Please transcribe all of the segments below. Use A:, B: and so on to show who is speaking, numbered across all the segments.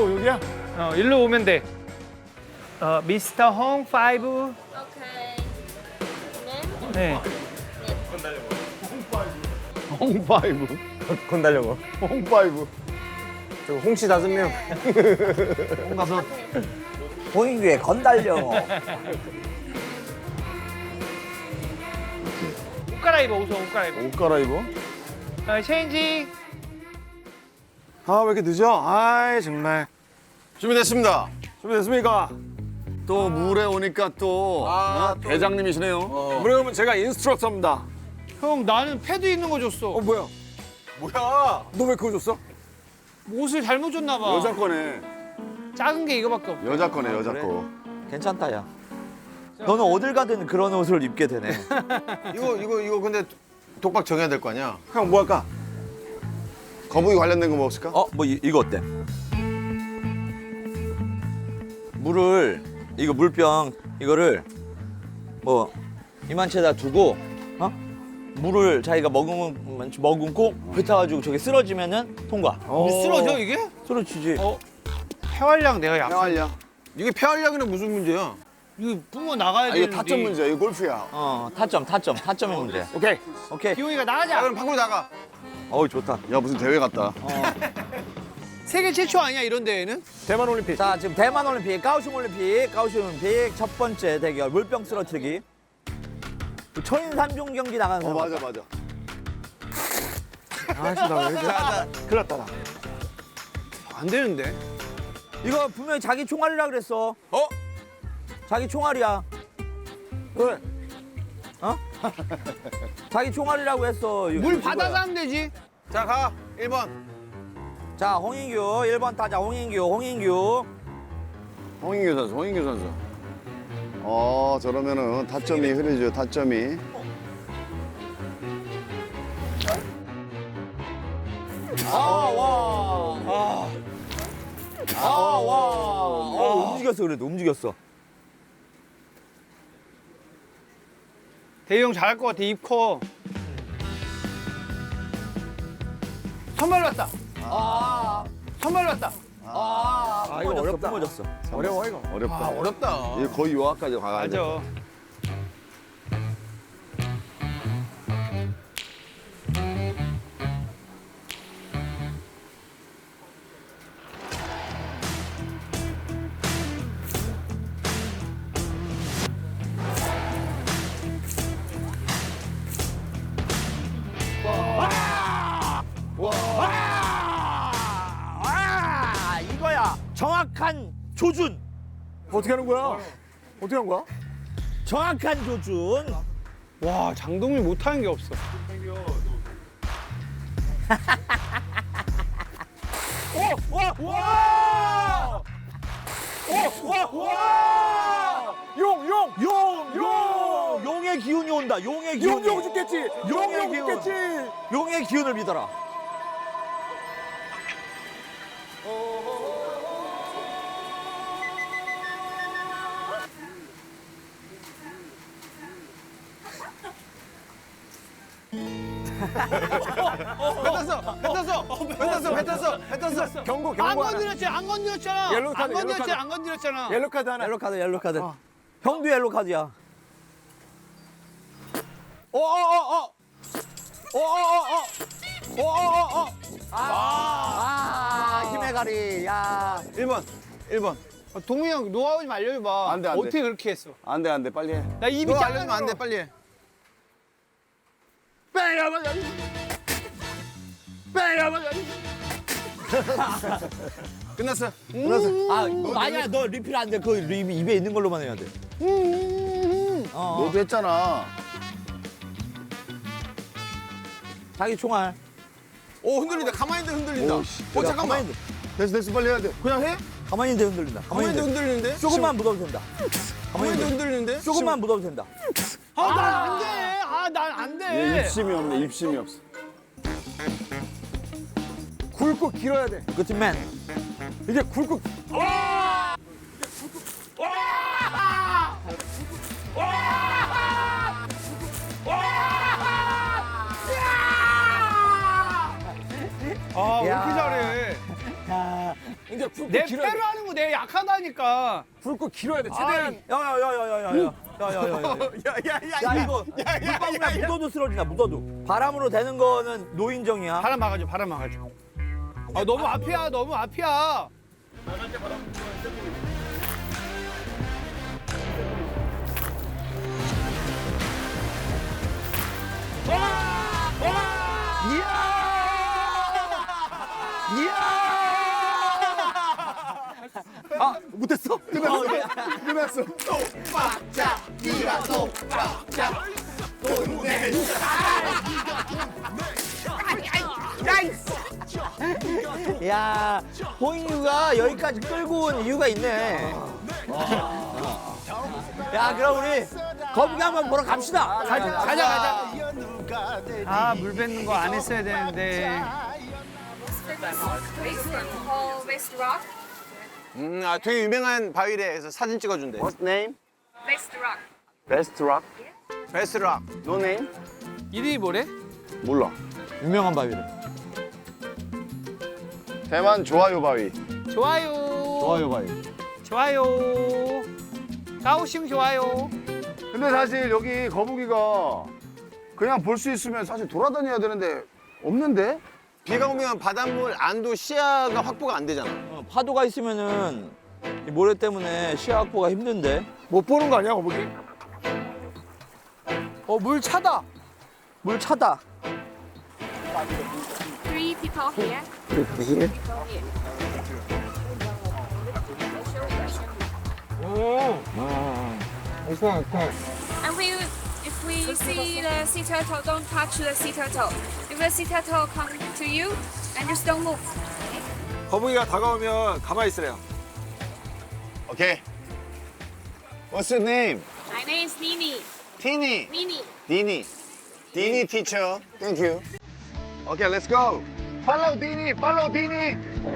A: 여기야?
B: 일로 오면 돼. 미스터 홍 5.
C: 오케이.
B: 네.
A: 홍파이브.
D: 건달려고.
A: 홍파이브.
D: 저 홍씨 5명.
A: 홍 가서.
D: 홍인규의 건달려.
B: 옷 갈아입어, 옷 갈아입어.
A: 옷 갈아입어?
B: 체인지.
A: 아, 왜 이렇게 늦어? 아이, 정말. 준비됐습니다. 준비됐습니까? 또 물에 오니까 또, 대장님이시네요. 물에 오면 제가 인스트럭터입니다.
B: 형, 나는 패드 있는 거 줬어.
A: 뭐야? 뭐야? 너 왜 그거 줬어?
B: 옷을 잘못 줬나 봐.
A: 여자 거네.
B: 작은 게 이거밖에 없어.
A: 여자 거네, 여자
D: 그래?
A: 거.
D: 괜찮다, 야. 너는 어딜 가든 그런 옷을 입게 되네.
E: 이거 근데 독박 정해야 될 거 아니야?
A: 형, 뭐 할까? 거북이 관련된 거 뭐 없을까?
D: 뭐 이거 어때? 물을 이거 물병 이거를 뭐 이만치에다 두고 물을 자기가 머금고 뱉어가지고 저게 쓰러지면은 통과.
B: 쓰러져, 이게?
D: 쓰러지지.
B: 폐활량 내가 약.
A: 폐활량.
E: 이게 폐활량이랑 무슨 문제야?
B: 이거 뿜어 나가야
A: 아,
B: 되는데.
A: 이거 타점 문제야. 이거 골프야.
D: 타점의 문제.
A: 오케이.
B: 기용이가
E: 야,
B: 나가자.
E: 그럼 밖으로 나가.
D: 좋다.
A: 야, 무슨 대회 같다.
B: 세계 최초 아니야, 이런 대회는?
A: 대만 올림픽.
D: 자, 지금 대만 올림픽, 가오슝 올림픽 첫 번째 대결 물병 쓰러뜨리기. 초인 3종 경기 나가는 사람.
A: 맞아.
D: 아씨, 나왜 이렇게.
A: 큰일 났다, 나.
E: 안 되는데.
D: 이거 분명히 자기 총알이라 그랬어. 자기 총알이야.
A: 그래.
D: 자기 총알이라고 했어.
B: 물 받아서 하면 되지.
E: 자, 가. 1번.
D: 자, 홍인규 1번 타자 홍인규.
A: 홍인규 선수. 저러면은 타점이 흐르죠, 타점이.
D: 움직였어 그래도 움직였어.
B: 대희 형 잘할 것 같아, 입 커. 선발 왔다. 선발 왔다.
D: 이거 어렵다. 뿜어졌어.
A: 어려워, 이거. 어렵다.
E: 어렵다.
A: 이게 거의 요하까지 가야 돼.
B: 맞아.
D: 이거야. 정확한 조준.
A: 어떻게 하는 거야? 어떻게 한 거야?
D: 정확한 조준.
B: 와, 장동민 못하는 게 없어.
D: 용의 기운이 온다. 용의 기운.
A: 용 죽겠지.
D: 용의 기운. 용의 기운을 믿어라.
E: 뱉었어.
A: 경고
B: 안
A: 하나.
B: 건드렸잖아, 안 건드렸잖아.
A: 옐로우 카드,
B: 안
A: 옐로우
B: 건드렸지,
A: 카드.
B: 안 건드렸잖아.
A: 옐로 카드 하나.
D: 옐로 카드. 형도 옐로 카드야. 힘의 가리. 야.
E: 1번.
B: 동민이 형 노하우 좀 알려줘봐.
A: 안 돼, 안 돼.
B: 어떻게 그렇게 했어?
A: 안 돼, 빨리 해.
B: 나 입이
E: 너
B: 작아서
E: 알려주면 안 돼, 빨리 해. 끝났어.
D: 아니야, 너 리필 안 돼. 그 입에 있는 걸로만 해야 돼.
A: 너도 했잖아.
D: 자기 총알.
E: 오, 흔들린다. 가만히 있는데 흔들린다.
A: 오, 씨.
E: 잠깐만.
A: 됐어, 빨리 해야 돼.
E: 그냥 해?
D: 가만히 있는데 흔들린다.
E: 가만히 있는데 흔들리는데?
D: 조금만 묻어도 된다.
E: 가만히 있는데 흔들리는데?
D: 조금만 묻어도 된다.
B: 난 안 돼. 난 안 돼.
A: 얘 입심이 없네, 입심이 없어. 굵고 길어야 돼.
D: 그치맨.
A: 이게 굵고.
B: 아, 왜
D: 야.
B: 이렇게 잘해?
D: 야,
C: 이제 굵고
B: 내
C: 길어야 돼.
B: 패로 하는 거 내가 약하다니까.
C: 굵고 길어야 돼. 최대한.
D: 야야야야야야야야야야. 야 이거 물방울에 묻어도 쓰러진다. 묻어도. 바람으로 되는 거는 노인정이야.
B: 바람 막아줘, 바람 막아줘. 아, 너무 앞이야, 너무 앞이야.
D: 아 못했어?
A: 끝났어.
D: 야 호인유가 여기까지 끌고 온 이유가 있네. 야 그럼 우리 거북이 한번 보러 갑시다.
B: 가자. 아, 물 뱉는 거 안 했어야 되는데.
F: West Rock.
E: 아 되게 유명한 바위래. 해서 사진 찍어준대.
A: What's name?
F: West Rock.
A: Best Rock.
E: 베스트락.
A: No name?
B: 이름이 뭐래?
A: 몰라.
D: 유명한 바위래.
A: 대만 좋아요 바위.
B: 좋아요.
A: 좋아요 바위.
B: 좋아요. 까오슝 좋아요.
A: 근데 사실 여기 거북이가 그냥 볼 수 있으면 사실 돌아다녀야 되는데 없는데?
E: 비가 오면 바닷물 안도 시야가 확보가 안 되잖아.
D: 파도가 있으면은 이 모래 때문에 시야 확보가 힘든데.
C: 못 보는 거 아니야, 거북이?
B: 물 차다.
D: 물 차다.
F: 3 people here. People here. And if we see the sea turtle, don't touch the sea turtle. If the sea turtle come to you, and just don't move.
C: 거북이가 다가오면 가만히 있으래요.
A: 오케이. What's your name?
F: My name is Nini.
A: 티니.
F: Nini.
A: 디니. 디니 teacher. Thank you. Okay, let's go. Follow 디니. Follow 디니.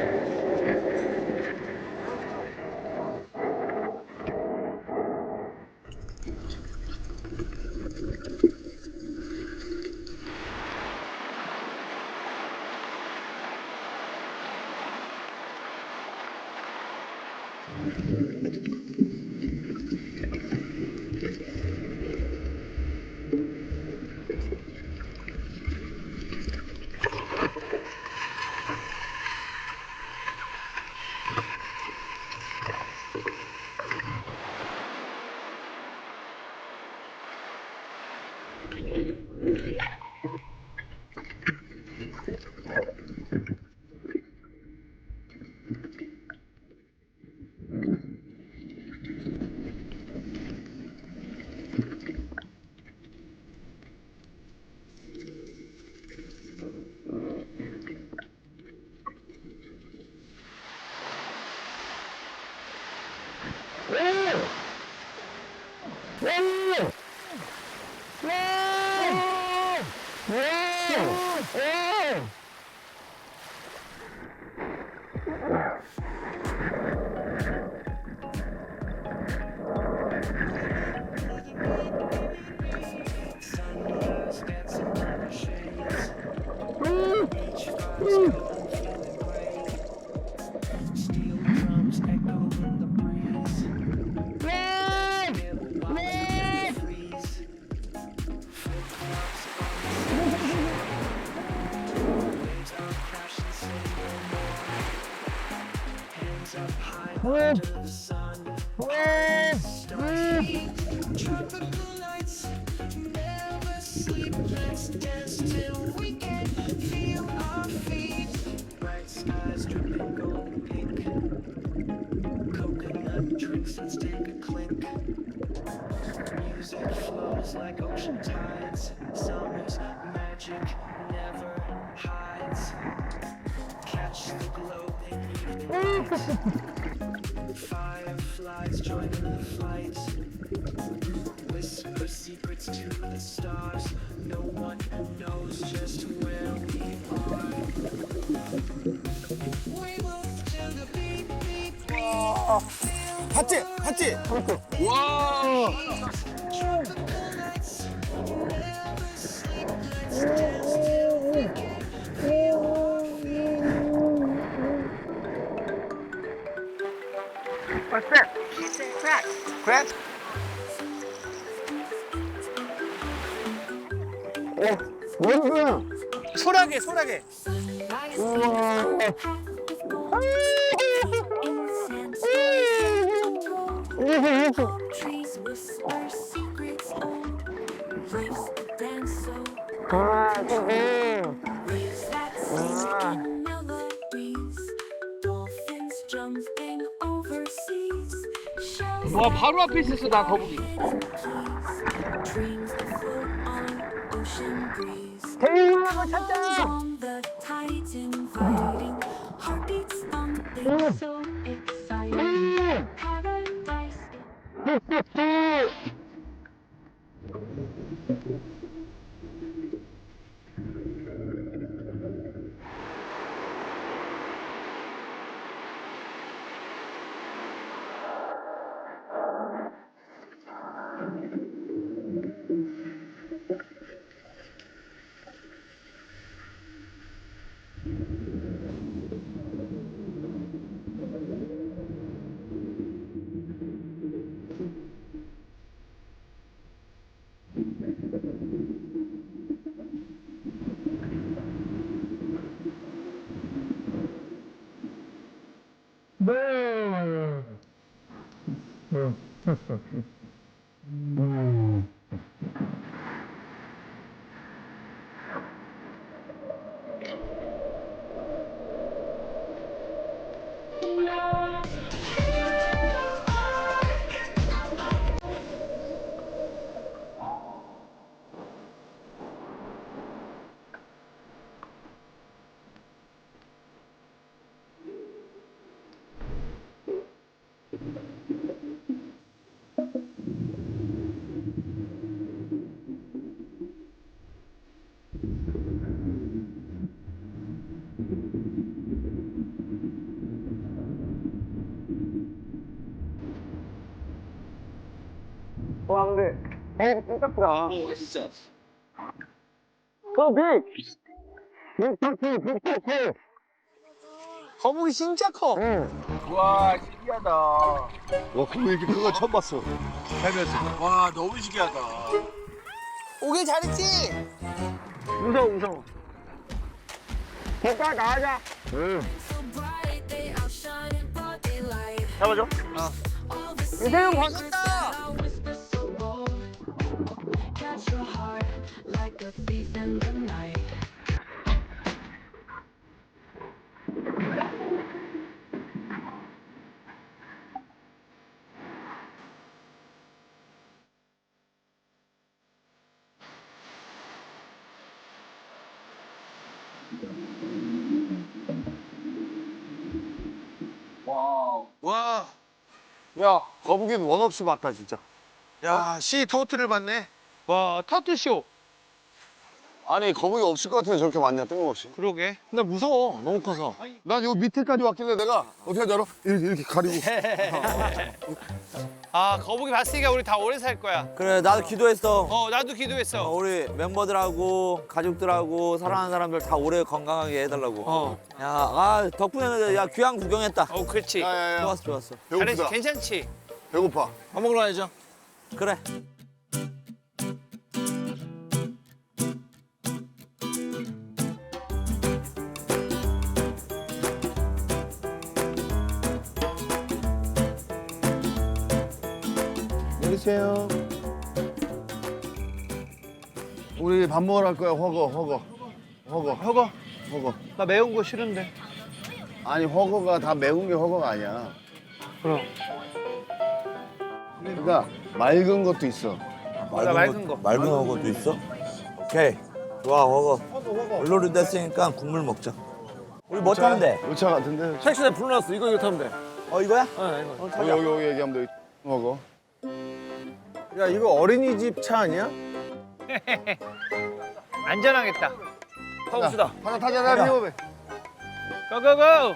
E: 봤지? 봤지?
F: Crack.
E: 크랩?
B: 소라게 소라게.
G: Trees whisper secrets. Waves dance so. Waves that sing melodies. Dolphins jumping overseas. Shells
B: 와 바로 앞에 있었어 나 거북이.
G: dreams float on ocean breeze. On the tides inviting. Heartbeats thumping so exciting. Paradise.
B: 거북이 진짜 커.
C: 와 신기하다.
A: 와, 그거 이렇게 큰 거 처음 봤어.
C: 살면서. 와 너무 신기하다.
B: 오길 잘했지.
A: 무서워. 오빠 나가자.
G: So bright they outshine in broad daylight.
A: 잡아줘.
G: All the
B: 유세윤 벗었다.
G: sound whisper so bold. Catch your heart like a thief in the night.
A: 와. 야, 거북이는 원 없이 봤다, 진짜.
C: 야, 시 토트를 봤네.
B: 와 터틀쇼.
A: 아니, 거북이 없을 것 같은데 저렇게 많냐, 뜬금없이.
B: 그러게.
C: 근데 무서워. 너무 커서.
A: 난 요 밑에까지 왔길래 내가 어떻게 하지 알아? 이렇게 가리고.
B: 아 거북이 봤으니까 우리 다 오래 살 거야.
D: 그래 나도 기도했어.
B: 나도 기도했어.
D: 우리 멤버들하고 가족들하고 사랑하는 사람들 다 오래 건강하게 해달라고. 야, 덕분에 야 귀한 구경했다.
B: 그렇지.
A: 야야야.
D: 좋았어, 좋았어.
B: 잘했지.
A: 배고프다.
B: 괜찮지.
A: 배고파.
C: 밥 먹으러 가야죠.
D: 그래.
A: 내리세요. 우리 밥 먹으러 갈 거야, 허거. 허거.
B: 나 매운 거 싫은데.
A: 아니, 허거가 다 매운 게 허거가 아니야.
B: 그럼.
A: 그러니까 맑은 것도 있어.
B: 맑은 거.
D: 맑은 허거도 있어? 오케이. 좋아, 허거. 물놀이 됐으니까 국물 먹자. 우리 뭐 타면 돼?
A: 우차 같은데.
C: 택시대 불러놨어. 이거 타면 돼.
D: 이거야?
A: 여기 얘기하면 돼. 허거.
E: 야 이거 어린이집 차 아니야?
B: 안전하겠다.
C: 타봅시다.
A: 하나 타자, 피워배.
B: 고고고.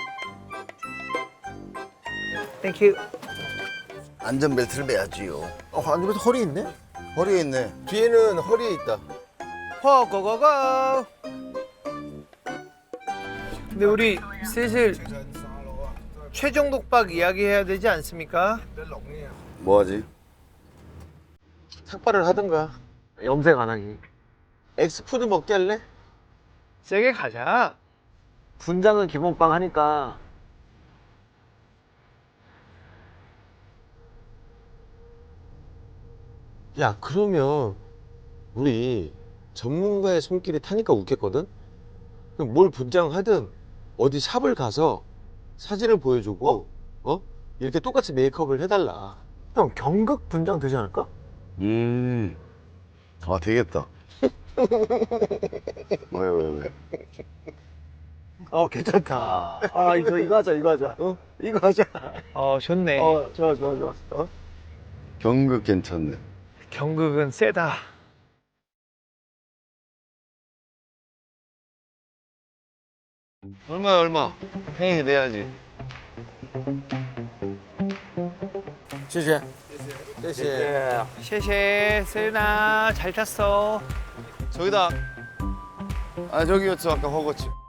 B: 땡큐.
A: 안전벨트를 매야지요.
E: 안전벨트 허리 있네?
A: 허리에 있네.
E: 뒤에는 허리에 있다.
B: 고고고고. 근데 우리 슬슬 최종 독박 이야기해야 되지 않습니까?
A: 뭐하지?
C: 삭발을 하든가. 염색 안 하기. 엑스푸드 먹게 할래?
B: 세게 가자.
C: 분장은 기본빵 하니까.
H: 야, 그러면 우리 전문가의 손길이 타니까 웃겠거든? 그럼 뭘 분장하든 어디 샵을 가서 사진을 보여주고 이렇게 똑같이 메이크업을 해달라.
C: 형 경극 분장 되지 않을까?
A: 아 되겠다. 왜?
C: 괜찮다. 아 이거 하자 이거 하자. 이거 하자.
B: 좋네.
C: 좋아.
A: 경극 괜찮네.
B: 경극은 세다.
A: 얼마? 행위 내야지.
C: 谢谢.
B: 셰셰 세나 잘 탔어.
A: 저기다. 아 저기였어 아까 허거치.